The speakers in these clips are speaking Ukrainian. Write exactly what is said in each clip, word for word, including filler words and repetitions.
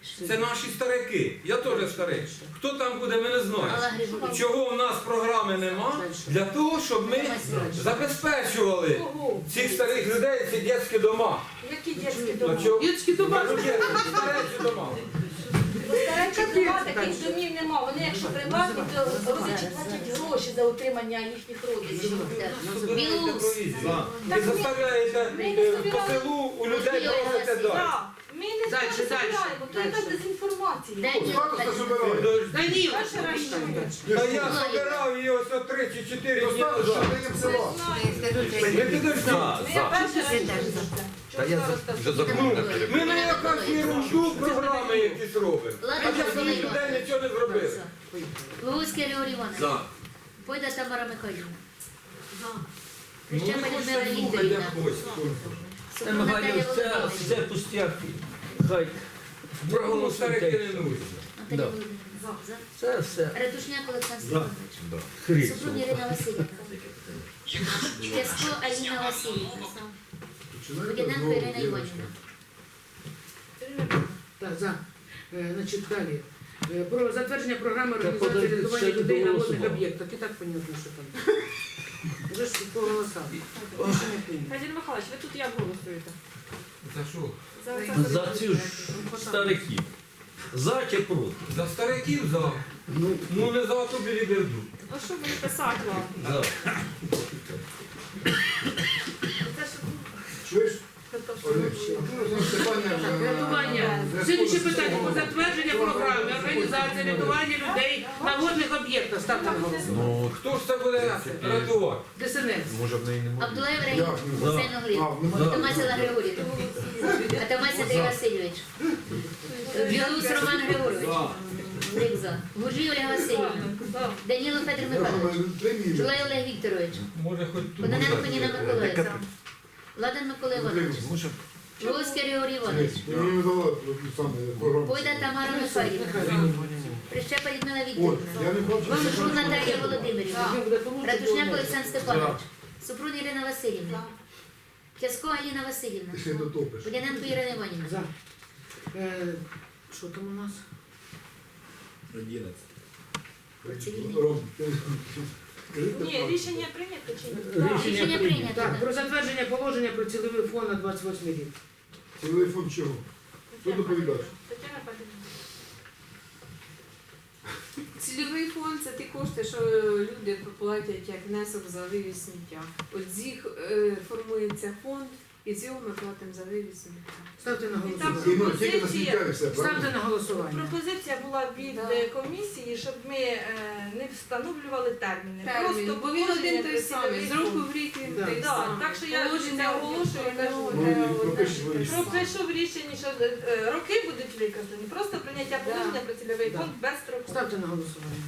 Це наші старики. Я теж старий. Хто там буде, ми не знаємо. Чого в нас програми нема? Для того, щоб ми забезпечували цих старих людей, ці дитячі дома. Які дитячі дома? Дітські дома. Старечі дома. Старечі дома, таких домів нема. Вони, якщо приватні, то родичі платять гроші за утримання їхніх родичів. Ви заставляєте по селу у людей просите далі. Так, ми не Дальше, збираємо, то дальше. яка дезінформація. Даніл, Перший раз чую. Та я збирав її ось о три чи чотири дні назад. Ви підождіть. Ми перший раз чую. Та я вже законно. Ми на якусь ерунду програми якісь робимо. А для своїх людей нічого не зробили. Луцький Григорій Іванович. За. Пойда Тамара Михайлівна. Ну, Прищепа ви Людмила хочете слухати, як Вікторівна. хочете. Супрун Наталія Це, це Володимирівна. пустяки. Хай Програму старих не нужно. Наталія Володимирівна. За. це все Ратушняк Олександр Степанович. хріст. Супрун Ірина Васильівна. Тясько Аліна Васильівна. Водяненко Ірина Іванівна. Так, за. Е, Значить, далі. Е, Про затвердження програми Та організації подожди, рятування ще людей на водних доголосував. об'єктах. І так понятно, що там. Вже ж по голосам. Рішення прийнято. Федір Михайлович, ви тут як голосуєте? За що? За цю ж стариків. За чи проти? За стариків за. Ну не за ту біліберду. А що мені писати вам? За. Чуєш? Рятування. Слідуюче питання про затвердження програми організації рятування людей на водних об'єктах. Ставте на голосування. Ну, хто ж це буде рятувати? ДСНС. Може в неї немає. Абдулаєв Раїм. Хусейн Оглів. Атамася Григорівна. Атамася Андрій Васильович. Білус Роман Григорович. Грик за. Гуржій Ольга Васильівна. Даніло Федір Михайлович. Жулай Олег Вікторович. Може хоч тут. Кононенко Ніна Миколаївна. Ладан Микола Іванович. Луцький Григорій Іванович. Пойда Тамара Михайлівна. Прищепа Людмила Вікторівна. Супрун Наталія Володимирівна. Ратушняк Олександр Степанович. Супрун Ірина Васильівна. Тясько Аліна Васильівна. Водяненко Ірина Іванівна. За. Е, Що там у нас? Ні, рішення прийнято чи ні? Рішення прийнято. Так, про затвердження положення про цільовий фонд на двадцять восьмий рік. Телефон чого? Хто доповідач? Тетяна Федорівна. Цільовий фонд це ті кошти, що люди платять як внесок за вивіз сміття. От з їх е, формується фонд, і з його ми платимо за вивіз сміття. Ставте на І там голосування. І ну, тільки на сміття і все, Ставте правильно? на голосування. Пропозиція була від Да. е, комісії, щоб ми е, не встановлювали терміни. Термін, бо він один той самий, з року в рік він Да. той Так, самий. так що я Положення це оголошую і кажу. Ну, і пропишіть ви рішення. Пропишу в рішенні, що е, роки будуть виказані, просто прийняття положення про цільовий Да. фонд без строку. Ставте на голосування.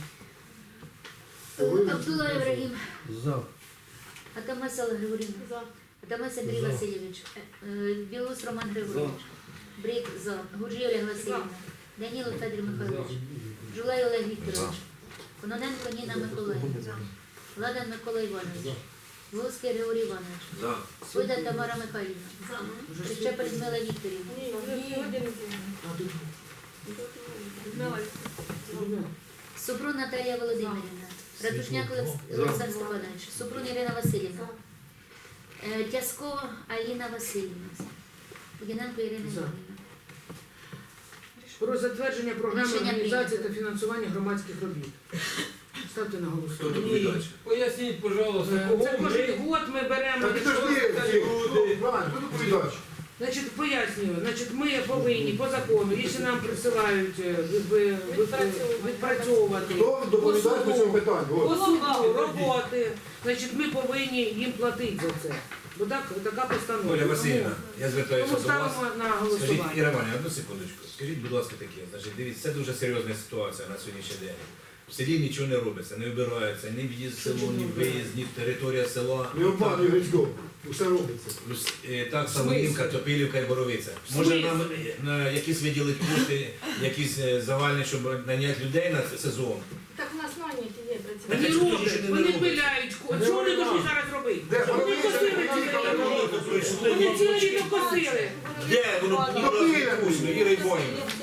Абдулла Ібрагім. За. Атамася Олег Григорівна. За. Атамась Андрій Васильович. Е, Білус Роман Григорович. Брик за. Гуржій Олег Васильівна. Даніло Федір Михайлович. Жулай Олег Вікторович. Кононенко Ніна Миколаївна. Ладан Микола Іванович. Луцький Григорій Іванович. За. Пойда Тамара Михайлівна. Прищепа Людмила Вікторівна. Ні, вже сьогодні не змінено. Людмила Вікторівна. Супрун Наталія Володимирівна. Ратушняк Олекс- Олександр Степанович. Супрун Ірина Васильівна. Е, Тясько Аліна Васильівна. Водяненко Ірина За. Іванівна. Про затвердження програми Рішення організації та прийнято. фінансування громадських робіт. Ставте на Хто голосування. доповідач? Поясніть, пожалуйста, Е, кого Це кожен ми... год ми беремо. Так підожди, Іван, хто доповідач? Значить, пояснюю, значить, ми повинні по закону, якщо нам присилають е, ви- ви- ви- відпрацьовувати Хто доповідач по цьому питанню? по От. суду роботи, значить, ми повинні їм платити за це. Бо так, така постанова. Оля Васильівна, Тому- я звертаюся Тому до вас. ставимо на Скажіть, голосування. Іра Іванівна, одну секундочку. Скажіть, будь ласка, таке. Значить, дивіться, це дуже серйозна ситуація на сьогоднішній день. В селі нічого не робиться, не вибирається, ні в'їзд в село, ні виїзд, ні територія села. Не обманюй Грицько. Усе робиться. Плюс, е, Так, Самоївка, Топилівка і Боровиця. Може нам е, на якісь виділити кошти, якісь е, загальні, щоб наняти людей на сезон. Так у нас наняті є Вони працівники. Так, роблять, що не вони робиться? пиляють. Ко- Що вони повинні зараз робити? Де? Вони Боровиця, косили Топилівка, цілий Боровиця. рік. Вони цілий рік косили. Де воно було вкусно, Іра Іванівна?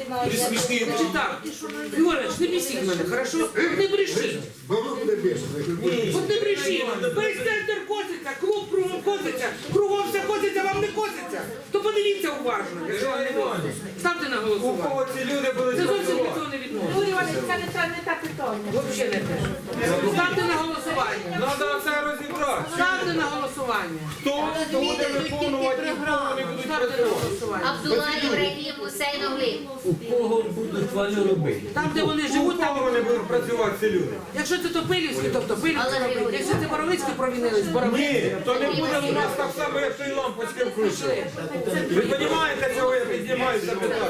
знаю. Ви смішні. Значить так, Григорич, не бісіть мене, хорошо? Не брешіть. Бабло буде більше. От не брешіть. Весь центр коситься, клуб кругом коситься, кругом все коситься, вам не коситься. То подивіться уважно, якщо вам не можна. Ставте на У голосування. кого ці люди будуть Це зовсім від працювати? цього не відноситься. Юрій Іванович, це не те, не те питання. Взагалі не те. Ставте на голосування. Треба це розібрати. Ставте на голосування. Хто буде виконувати, і в кого не будуть Ставте на працювати. голосування. Абдулла Ібрагім Гусейн Оглиб. У кого будуть вони робити? Там, де вони У живуть, там кого вони будуть працювати ці люди? якщо це Топилівські, то Топилівські Але робить. Григорій. Якщо це Боровицькі провінились, Боровицькі. Ні, то не буде у нас так само, як той лампочки включили. Ви розумієте, чого я піднімаю це питання?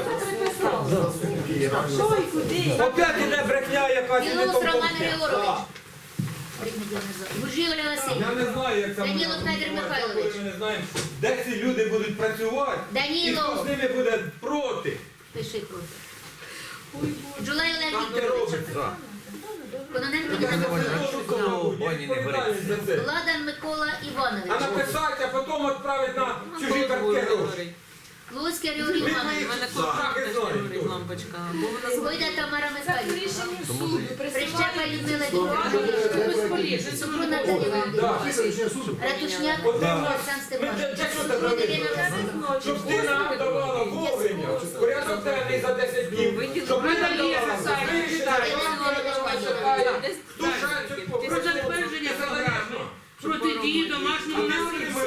Що і куди? Опять іде брехня якась і не Білоус Роман компетентна. Григорович. Гуржій Оля Я Васильівна. не знаю, як там Даніло вона Федір відбувається, Михайлович. коли ми не знаємо, де ці люди будуть працювати і Даніло. хто з ними буде проти. Пиши проти. Джулай Олег Там не Вікторович. робиться. Кононенко Ніна Миколаївна. Відповідальність за це. Ладан Микола А Іванович. написати, а потім відправити на чужі картки гроші. Луцький Григорій Іванович. лампочка. Бо вона Гойда Тамара Це Михайлівна. рішенням суду Прищепа присилають. Людмила Вікторовна. Безполезно. Супрун Наталія Володимирівна. Після рішення суду. Ратушняк От ти Олександр нас- Степанович. Для чого це Супрун робити? Ірина Васильівна. Щоб ти нам давала вовремя, порядок денний за десять днів, щоб ми нам Наталія давала Сасаєва, вирішення, читає. що нам чекає. Душа цю Про затвердження програми протидії домашньому насильству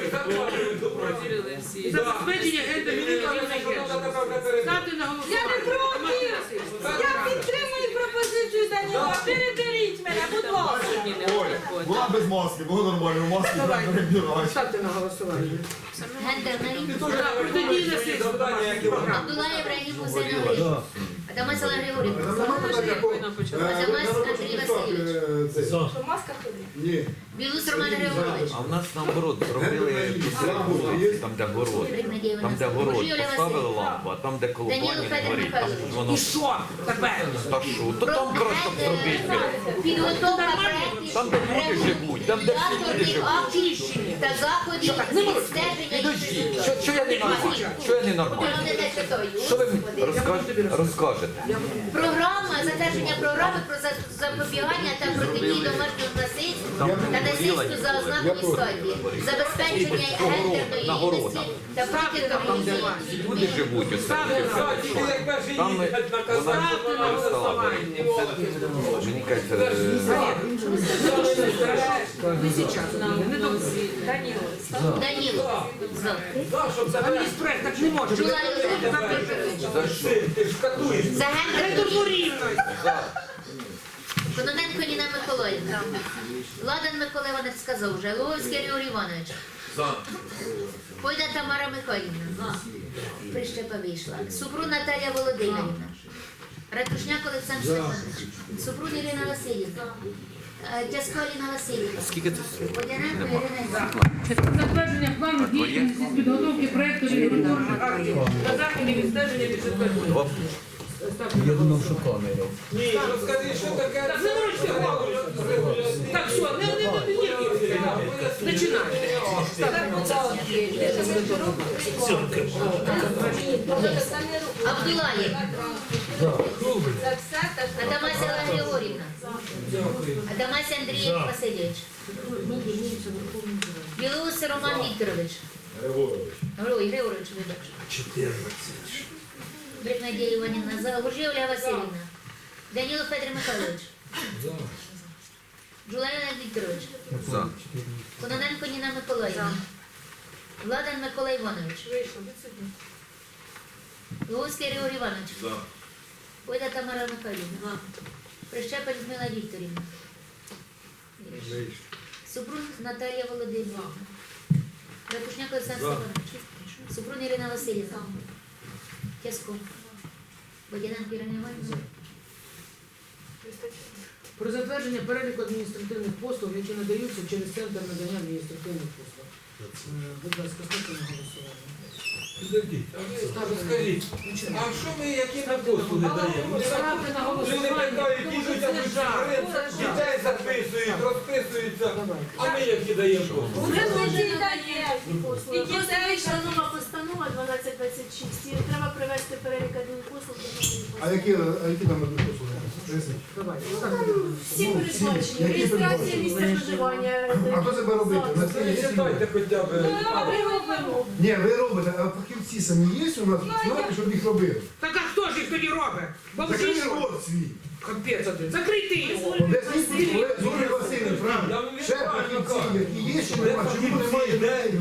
і забезпечення гендерної рівності. Ставте на голосування. Я не проти. Домашнє насильство. Я підтримую пропозицію Даніла. Переберіть мене, будь ласка. Була без маски, було нормально, маски Давай. не перебирають. Ставте на голосування. Гендерна рівність. Так, протидії насильству. Програма. Абдулла Ібрагім Гусейн Оглиб. Адамас Олег Григорівна. Адамас Андрій Васильович. Це. Що маска ходить? Ні. Білус Роман Григорович. А в нас наоборот зробили посередку, там де город. Там де город поставили лампу, а там де колобані Даніло Федір горить, там Михайлович. воно І що тепер? та що, то там просто зробити. Підготовка проєктів Там, де люди живуть, там, де всі люди регуляторних живуть. актів та заходів відстеження Підождіть, що, що я не нормальний? Що я не нормальний? Що ви мені розкажете? розкажете? Програма, затвердження програми про за- запобігання та протидії домашнього насильству Там та насильству горіла, за ознакою статі, забезпечення гендерної на город, рівності та Там, де протидії. люди живуть, оце. Там ми- вона Ставте на голосування. мені кажеться, е, Не зараз. Не до Даніло. За. Там є проект, так не може. Жулай Олег Вікторович. Ти ж катуєш. За гендерну Гендерну рівність. Кононенко Ніна Миколаївна. Ладан Микола Іванович сказав вже. Луговський Григорій Іванович. Пойда Тамара Михайлівна. Прищепа вийшла. Супрун Наталія Володимирівна. Ратушняк Олександр Степанович. Супрун Ірина Васильівна. Е, Тясько Аліна Васильівна. скільки це? Водяненко Ірина Іванівна. Затвердження плану діяльності з підготовки проєкту регуляторних актів та заходів відстеження бюджетної. Я думав, що камера. Ні, розкажи, що таке. Так, не можете голову. Так, все, не, не, не, не, починайте. Абдулаєв. Це все те, що Адамася Олег Григорівна. Адамася Андрій Васильович. Білоус Роман Вікторович. Григорій Григорович, вибач. Брик Надія Іванівна. За. Гуржій Ольга Васильівна. Даніло Федір Михайлович. Джулай Олег Вікторович. За. Кононенко Ніна Миколаївна. Владан Микола Іванович. вийшло. Відсутні. Луговський Григорій Іванович. Пойда Тамара Михайлівна. Прищепа Людмила Вікторівна. Супрун Наталія Володимирівна. Ратушняк Олександр Степанович. Супрун Ірина Васильівна. Тясько. Водяненко Ірина Іванівна. Про затвердження переліку адміністративних послуг, які надаються через центр надання адміністративних послуг. Е, Будь ласка, ставте на голосування. Підождіть, а ви скажіть, а що ми, які ми послуги даємо? Ми Ставте на Люди голосування. питають, їдуть, а Це ми жах. дітей записують, розписуються, а ми які даємо послуги. Вони дуже надають І послуги. Просто дітей, вийшла нова постанова дванадцять двадцять шість, і треба привести перелік адмінпослуг до нової А постанови. які, а які там будуть послуги? Поясніть. Всі передбачені, Які реєстрація передбачені? місця проживання. А хто себе робити? На це є всі- Читайте хоча б. А ми робимо. Ні, ви робите, а фахівці самі є у нас, знаєте, щоб їх робили? Так а хто ж їх тоді робить? Бабусі Закрий що? рот свій. Капець один. Закрийте його. Об'ясніть, Зурі Васильович, правильно? Ще фахівці, які є, чи нема, чому немає людей?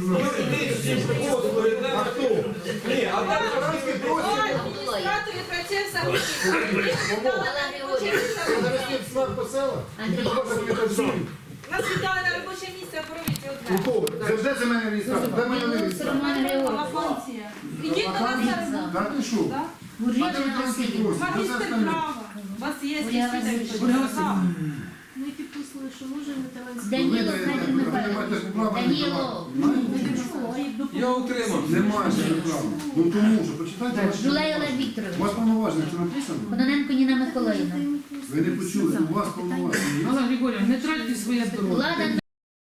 А хто? Ні, а там Французький просить. Адміністратори працює в самі. Алла Григорівна. Навесніть смак по селах. Нас віддали на робоче місце, поробіть У одне. кого? Завжди за мене реєстрація. Де мене не Білоус реєстрація? Роман Григорович. Функція. Ідіть до нас зараз. Та ти що? Гуржій А де Олег ви французький Васильович. просить? Де це остальне? У вас є Ольга Васильівна. Ми підписали, що можемо телевізор. Даніло Ви Федір не Михайлович. маєте права. Даніло. я утримався. Немає права. Ну тому що, почитайте ваші. Жулай Олег У Вікторович. вас повноваження це написано? Кононенко Ніна Миколаївна. Ви не почули, у вас повноваження. Алла Григорівна, не тратьте своє здоров'я. Влада